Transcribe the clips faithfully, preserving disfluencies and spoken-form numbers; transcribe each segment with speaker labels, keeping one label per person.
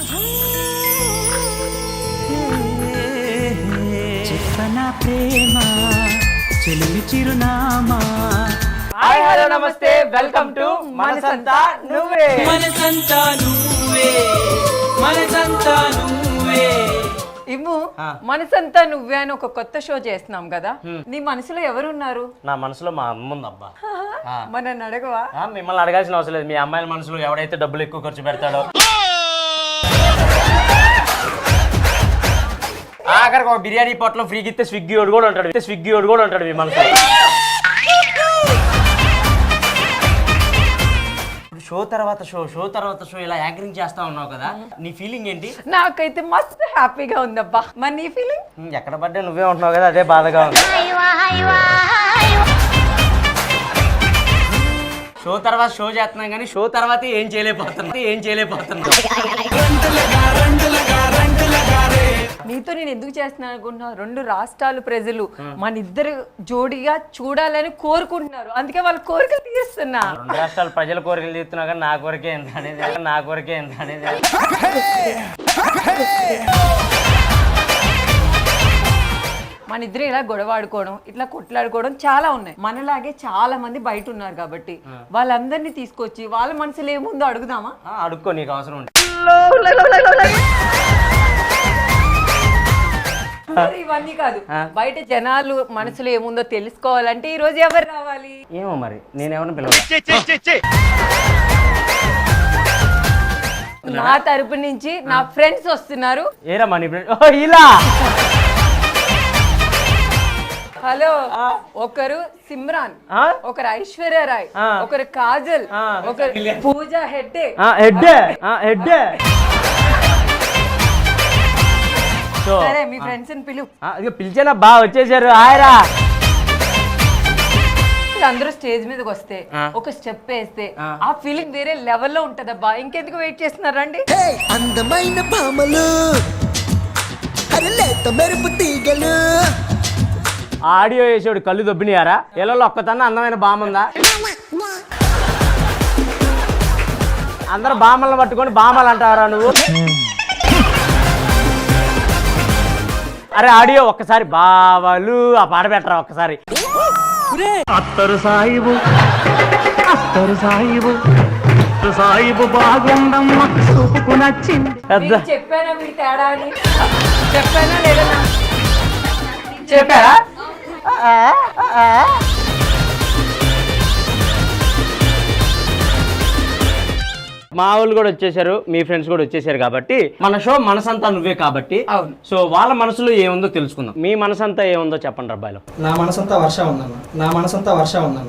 Speaker 1: చెప్పనా ప్రేమ చెలిమి చిరునామా.
Speaker 2: హాయ్ హలో నమస్తే, వెల్కమ్ టు మనసంతా నువ్వే.
Speaker 1: మనసంతా నువ్వే, మనసంతా నువ్వే.
Speaker 2: ఇమ్ము మనసంతా నువ్వే అని ఒక కొత్త షో చేస్తున్నాం కదా, నీ మనసులో ఎవరున్నారు?
Speaker 3: నా మనసులో మా అమ్మ ఉంది అబ్బా.
Speaker 2: మరి నన్ను అడగవా?
Speaker 3: మిమ్మల్ని అడగాల్సిన అవసరం లేదు. మీ అమ్మాయిల మనసులో ఎవడైతే డబ్బులు ఎక్కువ ఖర్చు పెడతాడో, ఆఖరికి ఒక బిర్యానీ పొట్టలో ఫ్రీకి ఇస్తే స్విగ్గీ వాడు కూడా ఉంటాడు, స్విగ్గీ వాడు కూడా ఉంటాడు మీ మనసులో. షో తర్వాత షో షో తర్వాత షో ఇలా యాంకరింగ్ చేస్తా ఉన్నావు కదా, నీ ఫీలింగ్ ఏంటి?
Speaker 2: నాకైతే మస్తు హ్యాపీగా ఉందబ్బా. మరి నీ ఫీలింగ్?
Speaker 3: ఎక్కడ పడ్డా నువ్వే ఉంటున్నావు కదా, అదే బాధగా ఉంది. షో తర్వాత షో చేస్తున్నాం కానీ షో తర్వాత ఏం చేయలేకపోతున్నా ఏం చేయలేకపోతున్నా
Speaker 2: నీతో నేను ఎందుకు చేస్తున్నాను అనుకుంటున్నా, రెండు రాష్ట్రాలు ప్రజలు మన ఇద్దరు జోడిగా చూడాలని కోరుకుంటున్నారు, అందుకే వాళ్ళ కోరికలు తీరుస్తున్నా.
Speaker 3: రెండు రాష్ట్రాల ప్రజల కోరికలు తీరుతున్నా కానీ నా కోరికే ఎంత అనేది నా కోరికే ఎంత అనేది
Speaker 2: మన ఇద్దరు ఇలా గొడవాడుకోవడం, ఇట్లా కొట్లాడుకోవడం చాలా ఉన్నాయి. మనలాగే చాలా మంది బయట ఉన్నారు కాబట్టి వాళ్ళందరినీ తీసుకొచ్చి వాళ్ళ మనసులో ఏముందో అడుగుదామా?
Speaker 3: అడుక్కో, నీకు అవసరం ఉంటుంది.
Speaker 2: ఇవన్నీ కాదు, బయట జనాలు మనసులో ఏముందో తెలుసుకోవాలంటే ఈ రోజు ఎవరు రావాలి?
Speaker 3: ఏమో మరి, నేనేమన్నా పిలవాలి.
Speaker 2: నా తరపు నుంచి నా ఫ్రెండ్స్ వస్తున్నారు.
Speaker 3: ఏరా మనీ ఫ్రెండ్ ఇలా.
Speaker 2: హలో, ఒకరు సిమ్రాన్, ఒకరు ఐశ్వర్య రాయ్, ఒకరు కాజల్, ఒకరు పూజ హెడ్డే.
Speaker 3: హెడ్డే హెడ్డే
Speaker 2: సరే, మీ ఫ్రెండ్స్ ని పిలు.
Speaker 3: పిలిచేనా బా వచ్చేసారు. ఆయరా
Speaker 2: అందరూ స్టేజ్ మీదకి వస్తే ఒక స్టెప్ వేస్తే ఆ ఫీలింగ్ వేరే లెవెల్లో ఉంటదబ్బా. ఇంకెందుకు వెయిట్ చేస్తున్నారండి?
Speaker 4: అందమైన భామలు, అరలేత మెరుపు తీగలు.
Speaker 3: ఆడియో వేసాడు కళ్ళు దొబ్బినాయారా? ఎల్లో ఒక్కతన్నా అందమైన బాముందా? అందరూ బామలను పట్టుకొని బామలు అంటారా నువ్వు? అరే ఆడియో ఒక్కసారి బావలు ఆ పాట పెట్టరా ఒక్కసారి. అత్తరు సాయిబు అత్తరు సాయిబు సాయిబు బాగుందమ్మ చూపుకు నచ్చింది.
Speaker 2: చెప్పానా మీరు తేడా అని? చెప్పానా లేదా? చెప్పారా?
Speaker 3: మా వాళ్ళు కూడా వచ్చేసారు, మీ ఫ్రెండ్స్ కూడా వచ్చేసారు కాబట్టి మన షో మనసంతా నువ్వే కాబట్టి
Speaker 2: అవును.
Speaker 3: సో వాళ్ళ మనసులో ఏముందో తెలుసుకుందాం. మీ మనసంతా ఏముందో చెప్పండి అబ్బాయిలో.
Speaker 5: నా మనసంతా వర్ష ఉందన్న, నా మనసంతా వర్ష ఉందన్న.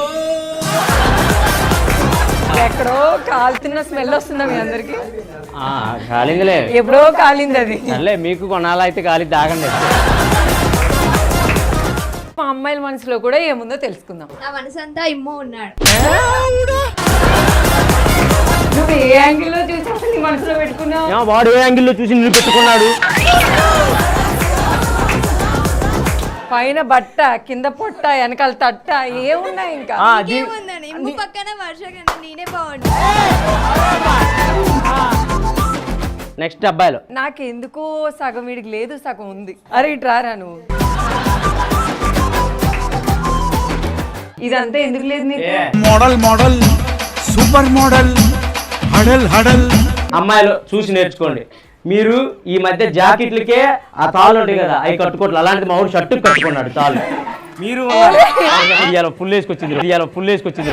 Speaker 2: ఎక్కడో కాలుతున్న స్మెల్ వస్తుందా మీ అందరికి?
Speaker 3: కాలిందిలే,
Speaker 2: ఎప్పుడో కాలింది అది.
Speaker 3: అల్లే మీకు కొనాలి అయితే కాలి తాగండి.
Speaker 2: మా అమ్మాయిల మనసులో కూడా ఏముందో తెలుసుకుందాం.
Speaker 6: నా మనసంతా ఇమ్మో ఉన్నాడు.
Speaker 2: నువ్వు ఏ యాంగిల్ లో చూసి అసలు నీ మనసులో పెట్టుకున్నావు?
Speaker 3: వాడు ఏ యాంగిల్ లో చూసి నిన్ను పెట్టుకున్నాడు?
Speaker 2: పైన బట్ట, కింద పొట్ట, వెనకాల తట్ట ఏమున్నాయి ఇంకా?
Speaker 6: ఏముందని ఇమ్ము పక్కన వర్ష కన్నా నేనే బాగుంటా.
Speaker 3: నెక్స్ట్ అబ్బాయిలో
Speaker 2: నాకెందుకో సగం వీడికి లేదు, సగం ఉంది. అరే ఇటు రారా నువ్వు. ఇదంతా ఎందుకు లేదు నీకు?
Speaker 1: మోడల్ మోడల్ సూపర్ మోడల్ హడల్ హడల్.
Speaker 3: అమ్మాయిలు చూసి నేర్చుకోండి. మీరు ఈ మధ్య జాకెట్లకే ఆ తాళ్ళు ఉంటాయి కదా, అవి కట్టుకోవట్లేదు. అలాంటి మా ఊరు షర్టు కట్టుకున్నాడు తాళ్ళు. మీరు ఇవాళ ఫుల్ వేసుకొచ్చింది, ఇవాళ ఫుల్ వేసుకొచ్చింది.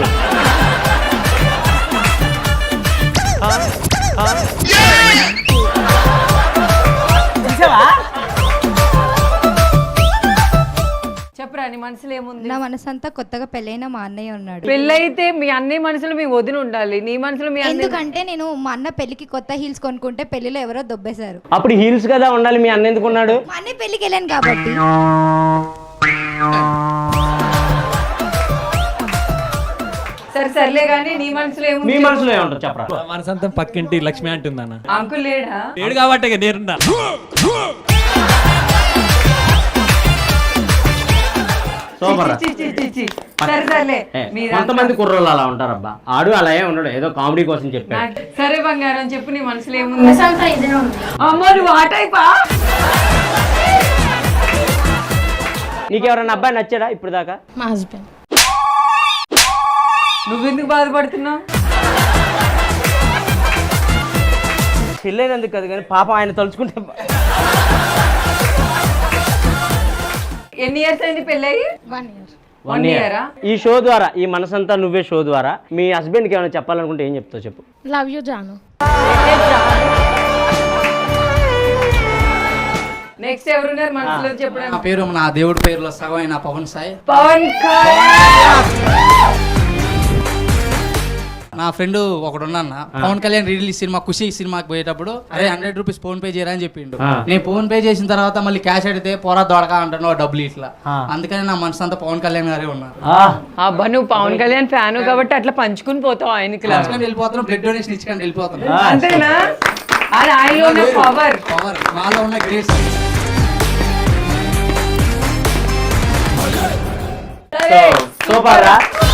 Speaker 2: చెప్పరా నీ మనసులో ఏముంది?
Speaker 6: నా మనసంతా కొత్తగా పెళ్ళైన మా అన్నయ్య ఉన్నాడు.
Speaker 2: పెళ్ళైతే మీ అన్నయ్య మనసులో మీ వదిన ఉండాలి, నీ మనసులో మీ అన్నయ్య.
Speaker 6: ఎందుకంటే నేను మా అన్న పెళ్లికి కొత్త హీల్స్ కొనుక్కుంటే పెళ్లిలో ఎవరో దొబ్బేశారు.
Speaker 3: అప్పుడు హీల్స్ కదా ఉండాలి, మీ అన్న ఎందుకున్నాడు?
Speaker 6: మా అన్నయ్య పెళ్లికి వెళ్ళాను కాబట్టి.
Speaker 2: సరే సర్లే గానీ నీ మనసులో ఏముంది?
Speaker 3: మీ మనసులో ఏముంటుంది చెప్పరా?
Speaker 7: మనసంతా పక్కింటి లక్ష్మి అంటుందన్న.
Speaker 2: అంకుల్ లేడా?
Speaker 7: లేడు కాబట్టి నేరున్నా.
Speaker 3: సూపర్ రా.
Speaker 2: చి, చి, చి, చి. సరే సర్లే
Speaker 3: ఏ,
Speaker 2: మీరు
Speaker 3: కొంతమంది కుర్రోళ్ళు అలా ఉంటారబ్బా. ఆడు అలా ఏ ఉండడు, ఏదో కామెడీ కోసం చెప్పాడు.
Speaker 2: నాకు- సరే బంగారం చెప్పు నీ మనసులో ఏముంది? అమ్మో నువ్వు ఆ టైపా?
Speaker 3: నీకెవరైనా అబ్బాయి నచ్చాడా ఇప్పుడు దాకా?
Speaker 8: మా హస్బెండ్.
Speaker 2: నువ్వెందుకు బాధపడుతున్నావు?
Speaker 3: పెళ్ళైనందుకు కదా కానీ పాపం ఆయన తలుచుకుంటే.
Speaker 2: ఎన్ని ఇయర్స్ అయింది పెళ్ళయి?
Speaker 8: One year.
Speaker 3: One year. ఈ షో ద్వారా, ఈ మనసంతా నువ్వే షో ద్వారా మీ హస్బెండ్కి ఏమైనా చెప్పాలనుకుంటే ఏం చెప్తావు చెప్పు.
Speaker 8: Love you Janu.
Speaker 2: నెక్స్ట్ ఎవరున్నారు మనసులో
Speaker 5: నా
Speaker 2: చెప్పడానికి?
Speaker 5: పేరు నా దేవుడి పేరులో సగం అయిన పవన్ సాయి.
Speaker 2: పవన్ కళ్యాణ్.
Speaker 5: నా ఫ్రెండ్ ఒకడు ఉన్నా పవన్ కళ్యాణ్ రిలీజ్ సినిమా ఖుషి సినిమాకి పోయేటప్పుడు అరే హండ్రెడ్ రూపీస్ ఫోన్ పే చేయరా అని చెప్పిండు.
Speaker 3: ఆ.
Speaker 5: నేను ఫోన్ పే చేసిన తర్వాత మళ్ళీ క్యాష్ అడిగితే పోరా దొడక అంటాను డబ్బులు ఇట్లా. అందుకని నా మనసు అంతా పవన్ కళ్యాణ్ గారే ఉన్నారు.
Speaker 2: అబ్బా నువ్వు పవన్ కళ్యాణ్ ఫ్యాన్ కాబట్టి అట్లా పంచుకుని పోతావు ఆయనకి లా.
Speaker 5: పంచుకొని వెళ్ళిపోతున్నాం, బ్లడ్ డొనేషన్ ఇచ్చుకొని వెళ్ళిపోతున్నాం.
Speaker 2: అంతేనా? అది ఆయనలో ఉన్న పవర్.
Speaker 5: పవర్ మాలో ఉన్న గ్రేస్.
Speaker 3: సూపర్ రా.